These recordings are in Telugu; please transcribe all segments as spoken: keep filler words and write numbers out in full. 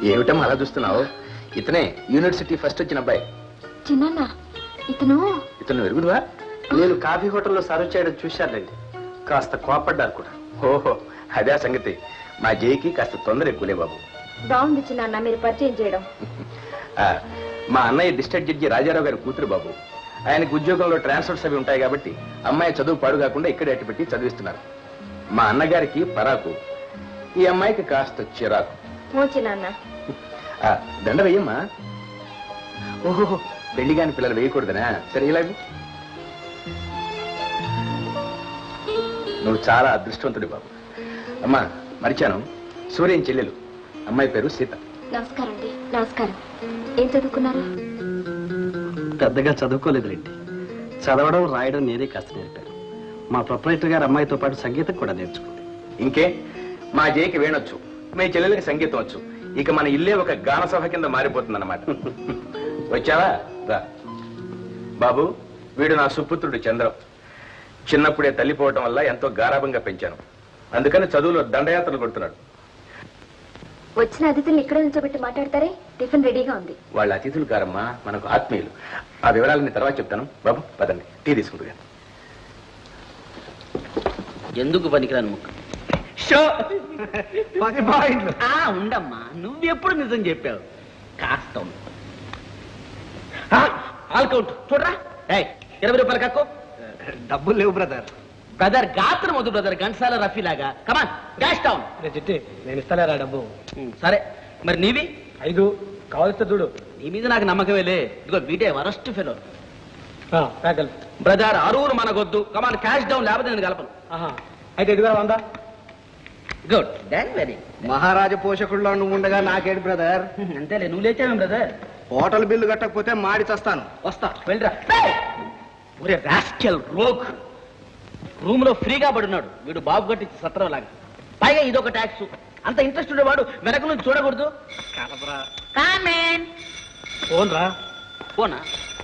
ఏమిటమ్మా అలా చూస్తున్నావు? ఇతనే యూనివర్సిటీ ఫస్ట్ వచ్చిన అబ్బాయి. చిన్న ఇతను ఇతను వెరుగుడువా? నేను కాఫీ హోటల్లో సర్వ్ చేయడం చూశానండి. కాస్త కోపడ్డారు కూడా. ఓహో అదే సంగతి. మా జైకి కాస్త తొందర ఎక్కువలే బాబు. బాగుంది చిన్న మీరు పరిచయం చేయడం. మా అన్నయ్య డిస్ట్రిక్ట్ జడ్జి రాజారావు గారి కూతురు బాబు. ఆయనకు ఉద్యోగంలో ట్రాన్స్ఫర్స్ అవి ఉంటాయి కాబట్టి అమ్మాయి చదువు పాడు కాకుండా ఇక్కడే అట్టి పెట్టి చదివిస్తున్నారు. మా అన్నగారికి పరాకు, ఈ అమ్మాయికి కాస్త చిరాకు. దండ వేయమ్మా. ఓహో పెళ్లి కాని పిల్లలు వేయకూడదనా? సరే ఇలాగ. నువ్వు చాలా అదృష్టవంతుడి బాబు. అమ్మా మరిచాను, సూర్యం చెల్లెలు, అమ్మాయి పేరు సీత. నమస్కారం అండి. నమస్కారం. ఏం చదువుకున్నారు? పెద్దగా చదువుకోలేదులేండి. చదవడం రాయడం నేనే కాస్త నేర్పాను. మా ప్రొపరేటర్ గారు అమ్మాయితో పాటు సంగీతం కూడా నేర్చుకుంది. ఇంకే మా జైకి వేణొచ్చు, మీ చెల్లెలకి సంగీతం వచ్చు. ఇక మన ఇల్లే ఒక గాన సభ కింద మారిపోతుంది అన్నమాట. వచ్చావా? రా బాబు. వీడు నా సుపుత్రుడు చంద్రం. చిన్నప్పుడే తల్లిపోవటం వల్ల ఎంతో గారాభంగా పెంచాను. అందుకని చదువులో దండయాత్రలు కొడుతున్నాడు. వచ్చిన అతిథులు ఇక్కడ నిల్చోబెట్టి మాట్లాడతారే? టిఫిన్ రెడీగా ఉంది. వాళ్ళ అతిథులు కారమ్మా, మనకు ఆత్మీయులు. ఆ వివరాలని తర్వాత చెప్తాను. బాబు పదండి, టీ తీసుకుంటుగా. ఎందుకు పనికిరాను ముక్క ఉండమ్మా. నువ్వెప్పుడు నిజం చెప్పావు? కాస్త ఆల్కౌంట్ చూడరా. ఇరవై రూపాయలు కక్కు. డబ్బులు లేవు బ్రదర్. బ్రదర్ గాత్రం వద్దు బ్రదర్, ఘంటసాల రఫీ లాగా. Come on dash down. చిట్టి నేను ఇస్తాలేరా డబ్బు? సరే మరి నీవి? ఐదు కావలిస్తే చూడు. నీ మీద నాకు నమ్మకమేలే. ఇదిగో వీటే వరస్ట్ ఫెలో. ప్యాకల్ బ్రదర్ అరువురు మనకొద్దు. కమాన్ క్యాష్ డౌన్, లేకపోతే నేను కలపను. అయితే ఇదిగా వందా. గుడ్ దాన్ వెరీ. మహారాజా పోషకుల్లో నువ్వు ఉండగా నాకేడు బ్రదర్. అంతేలే, నువ్వు లేచావేం బ్రదర్? హోటల్ బిల్లు కట్టకపోతే మాడి చస్తాను. వస్తా, వెళ్ళరా. ఒరే రాస్కెల్ రోగ్, రూమ్ లో ఫ్రీగా పడున్నాడు వీడు. బాబు కట్టించి సత్రం లాగా. పైగా ఇదొక ట్యాక్స్. అంత ఇంట్రెస్ట్ ఉండేవాడు వెనక నుంచి చూడకూడదు. ఫోన్ రా. ఫోనా?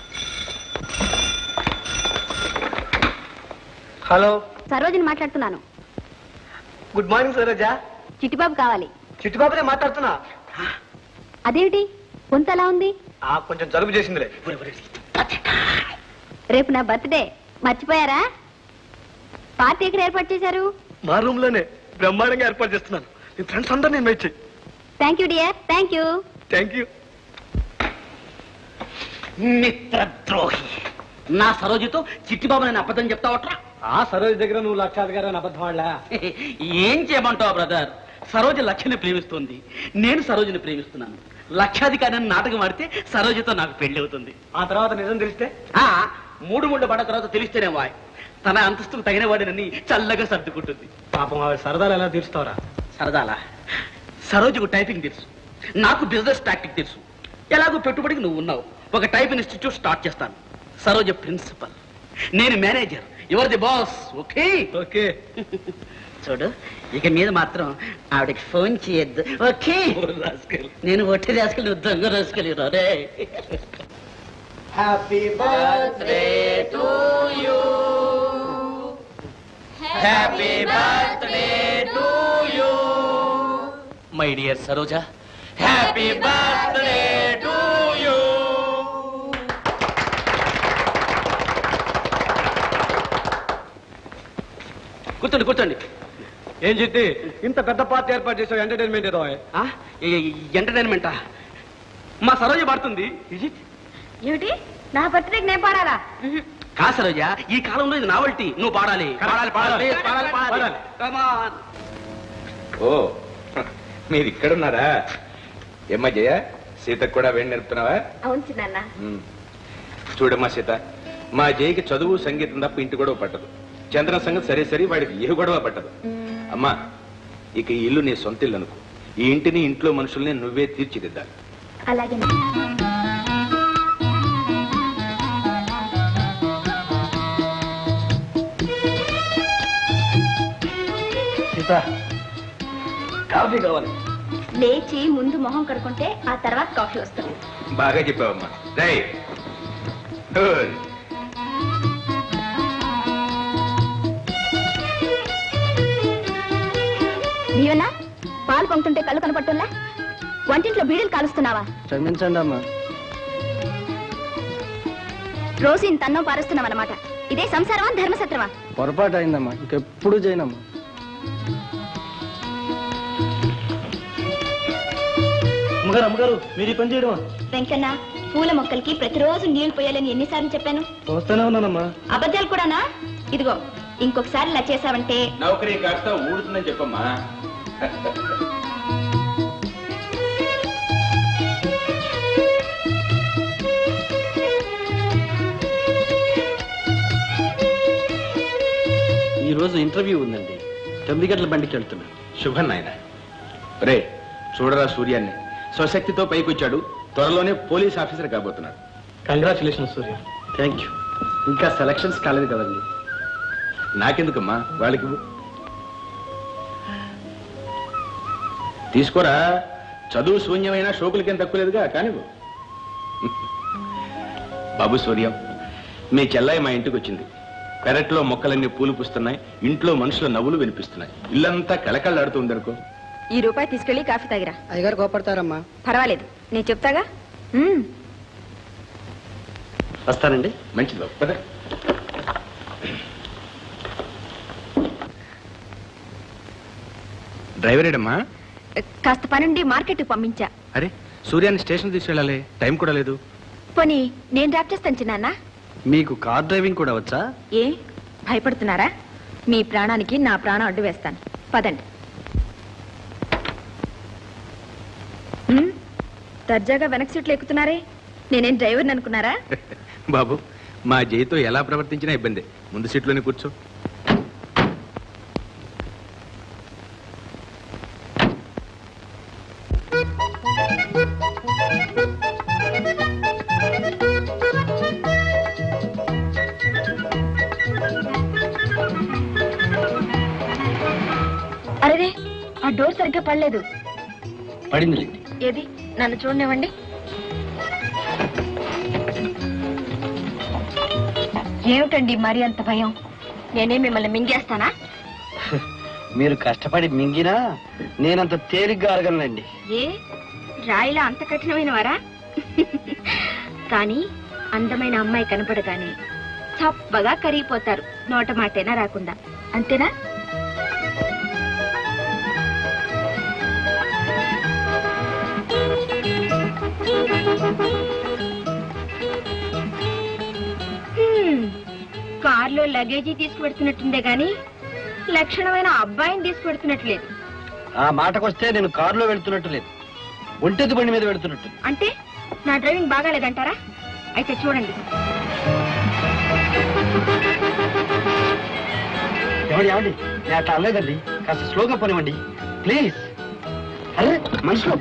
హలో, సరోజిని మాట్లాడుతున్నాను. Good morning Saroja. చిట్టిబాబు కావాలి. చిట్టుబాబునే మాట్లాడుతున్నా. అదేమిటి కొంత ఎలా ఉంది? కొంచెం జలుబు చేసిందిలే. రేపు నా బర్త్డే, మర్చిపోయారా? పార్టీ ఎక్కడ ఏర్పాటు చేశారు? మా రూమ్ లోనే బ్రహ్మాండంగా ఏర్పాటు చేస్తున్నాను. నీ ఫ్రెండ్స్ అందరూ నేను ఇన్వైట్ చేయి. Thank you dear. Thank you. Thank you. మిత్రద్రోహి, నా సరోజితో చిట్టిబాబు నేను అబద్ధం చెప్తావట్రా? ఆ సరోజ దగ్గర నువ్వు లక్షాధికారి అబద్ధం వాళ్ళ. ఏం చేయమంటావు బ్రదర్? సరోజ లక్ష్యని ప్రేమిస్తుంది, నేను సరోజిని ప్రేమిస్తున్నాను. లక్షాధికారి అని నాటకం ఆడితే సరోజతో నాకు పెళ్లి అవుతుంది. ఆ తర్వాత నిజం తెలిస్తే? ఆ మూడు మూడు పడ్డ తర్వాత తెలిస్తేనే వాయ్ తన అంతస్తుకు తగిన వాడినని చల్లగా సర్దుకుంటుంది. పాపం ఆవిడ సరదాలు ఎలా తీరుస్తావరా? సరదాలా? సరోజకు టైపింగ్ తెలుసు, నాకు బిజినెస్ టాక్టిక్ తెలుసు. ఎలాగో పెట్టుబడికి నువ్వు ఉన్నావు. ఒక టైప్ ఇన్స్టిట్యూట్ స్టార్ట్ చేస్తాను. సరోజ ప్రిన్సిపల్, నేను manager. Your the boss. Okay? Okay. చూడు, ఇక మీద మాత్రం ఆవిడకి ఫోన్ చేయొద్దు. ఓకే? నేను ఒట్టి రాసుకెళ్ళి నువ్వు దొంగ రాసుకెళ్ళి రే. Happy birthday to you, happy birthday to you my dear Saroja. Happy birthday to you. కూర్చోండి కూర్చోండి. ఏం చెట్టి ఇంత పెద్ద పార్టీ ఏర్పాటు చేసావు? ఎంటర్టైన్మెంట్ ఏదో? ఎంటర్టైన్మెంటా? మా సరోజ పడుతుంది. ఏమిటి నా బర్త్డేకి నేను పాడాలా? కా సరోజ, ఈ కాలంలో ఇది నావల్టీ. నువ్వు పాడాలి పాడాలి పాడాలి పాడాలి పాడాలి. Come on. ఓ మీరు ఇక్కడున్నారా? ఏమ్మా జయ, సీతకు కూడా వేడి నేర్పుతున్నావా? అవును చిన్న. చూడమ్మా సీత, మా జయకి చదువు సంగీతం తప్ప ఇంటి గొడవ పట్టదు. చంద్ర సంగతి సరే సరే, వాడికి ఏ గొడవ పట్టదు. అమ్మా, ఇక ఈ ఇల్లు నీ సొంత ఇల్లు అనుకో. ఈ ఇంటిని, ఇంట్లో మనుషుల్ని నువ్వే తీర్చిదిద్దాలి. అలాగే. సీత, కాఫీ కావాలి. లేచి ముందు మొహం కడుకుంటే ఆ తర్వాత కాఫీ వస్తుంది. బాగా చెప్పావమ్మా. రైట్. దీవెనా, పాలు పొంగుతుంటే కళ్ళు కనపడుతుందా? వంటింట్లో బీడీలు కాలుస్తున్నావా? క్షమించండి అమ్మా. రోజు ఇంత అన్నం పారుస్తున్నావన్నమాట. ఇదే సంసారమా ధర్మసత్రమా? పొరపాటు అయిందమ్మా, ఇంకెప్పుడు చేయనమ్మా. అమ్మగారు అమ్మగారు మీరు ఈ పని చేయడమా? వెంకన్న, పూల మొక్కలకి ప్రతిరోజు నీళ్లు పోయాలని ఎన్నిసార్లు చెప్పాను? వస్తానే ఉన్నానమ్మా. అబద్ధాలు కూడానా? ఇదిగో ఇంకొకసారి ఇలా చేసావంటే నౌకరీ కాస్త ఊడుతుందని చెప్పమ్మా. ఈ రోజు ఇంటర్వ్యూ ఉందండి. తొమ్మిది గంటల బండికి వెళ్తున్నా. శుభం నాయన. రే చూడరా సూర్యాన్ని, స్వశక్తితో పైకొచ్చాడు. త్వరలోనే పోలీస్ ఆఫీసర్ కాబోతున్నాడు. కంగ్రాచులేషన్ సూర్య. Thank you. ఇంకా సెలక్షన్స్ కాలేదు కదండి. నాకెందుకమ్మా, వాళ్ళకి ఇవ్వు. తీసుకోరా, చదువు శూన్యమైన షోకులకేం తక్కువలేదుగా, కానివ్వు. బాబు సూర్యం, మీ చెల్లాయి మా ఇంటికి వచ్చింది. పెరట్లో మొక్కలన్నీ పూలు పూస్తున్నాయి, ఇంట్లో మనుషుల నవ్వులు వినిపిస్తున్నాయి. ఇల్లంతా కళకళలాడుతుంది అనుకో. ఈ రూపాయి తీసుకెళ్లి కాఫీ తాగిరా. అయ్యగారు కోపడతారమ్మా. పర్వాలేదు, నేను చెప్తాగా. వస్తానండి. మంచిది బాబు, పద. డ్రైవర్ ఏడమ్మా? కాస్త పనుండి మార్కెట్ పంపించా. అరే, సూర్యాన్ని స్టేషన్ తీసుకెళ్ళాలి, టైం కూడా లేదు. పోనీ నేను డ్రాప్ చేస్తాను చిన్నాన్న. మీకు కార్ డ్రైవింగ్ కూడా వచ్చా? ఏ భయపడుతున్నారా? మీ ప్రాణానికి నా ప్రాణం అడ్డు వేస్తాను. పదండి. ఉమ్, దర్జాగా వెనక సీట్లు ఎక్కుతున్నారే, నేనేం డ్రైవర్ని అనుకున్నారా? బాబు, మా జైతో ఎలా ప్రవర్తించినా ఇబ్బంది. ముందు సీట్లోనే కూర్చో. అరే, ఆ డోర్ సరిగ్గా పడలేదు. పడింది. ఏది, నన్ను చూడనివ్వండి. ఏమిటండి మరి అంత భయం? నేనే మిమ్మల్ని మింగేస్తానా? మీరు కష్టపడి మింగినా నేనంత తేలిగ్గా అడగలండి. ఏ రాయిలా అంత కఠినమైన వారా? కానీ అందమైన అమ్మాయి కనపడగానే చప్పగా కరిగిపోతారు, నోట మాటైనా రాకుండా. అంతేనా? కార్లో లగేజీ తీసుకుపెడుతున్నట్టుందే గాని లక్షణమైన అబ్బాయిని తీసుకుపెడుతున్నట్లేదు. ఆ మాటకొస్తే నేను కారులో వెళ్తున్నట్టు లేదు, ఒంటెద్దు బండి మీద వెళ్తున్నట్టు. అంటే నా డ్రైవింగ్ బాగాలేదంటారా? అయితే చూడండి. ఎవడి ఏమండి, నేను అట్లా అనలేదండి. కాస్త స్లోగా పోనివ్వండి ప్లీజ్. అరే మనుషులు,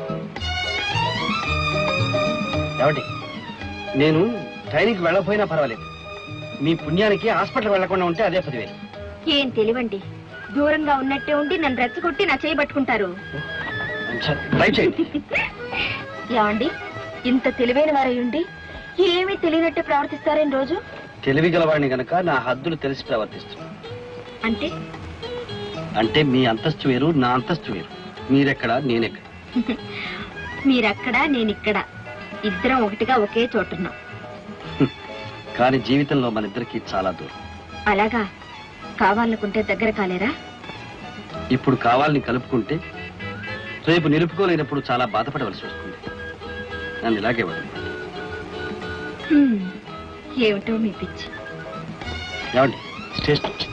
ఏమండి, నేను ట్రైనింగ్కి వెళ్ళకపోయినా పర్వాలేదు. మీ పుణ్యానికి హాస్పిటల్ వెళ్లకుండా ఉంటే అదే పదివేలు. ఏం తెలివండి, దూరంగా ఉన్నట్టే ఉండి నన్ను రెచ్చగొట్టి నా చేయి పట్టుకుంటారు. ట్రై చేయండి. ఏమండి, ఇంత తెలివైన వారై ఉండి ఏమీ తెలియనట్టే ప్రవర్తిస్తారేం రోజు? తెలివి గలవాడిని గనక నా హద్దులు తెలిసి ప్రవర్తిస్తున్నాను. అంటే అంటే మీ అంతస్తు వేరు, నా అంతస్తు వేరు. మీరెక్కడ, నేనెక్కడ. మీరక్కడ, నేనిక్కడ, ఇద్దరం ఒకటిగా ఒకే చోటున్నాం. కానీ జీవితంలో మన ఇద్దరికి చాలా దూరం. అలాగా? కావాలనుకుంటే దగ్గర కాలేరా? ఇప్పుడు కావాలని కలుపుకుంటే రేపు నిలుపుకోలేనప్పుడు చాలా బాధపడవలసి వస్తుంది. నన్ను ఇలాగే వదిలి. ఏమిటో మీ పిచ్చి. ఏమండి, స్టేషన్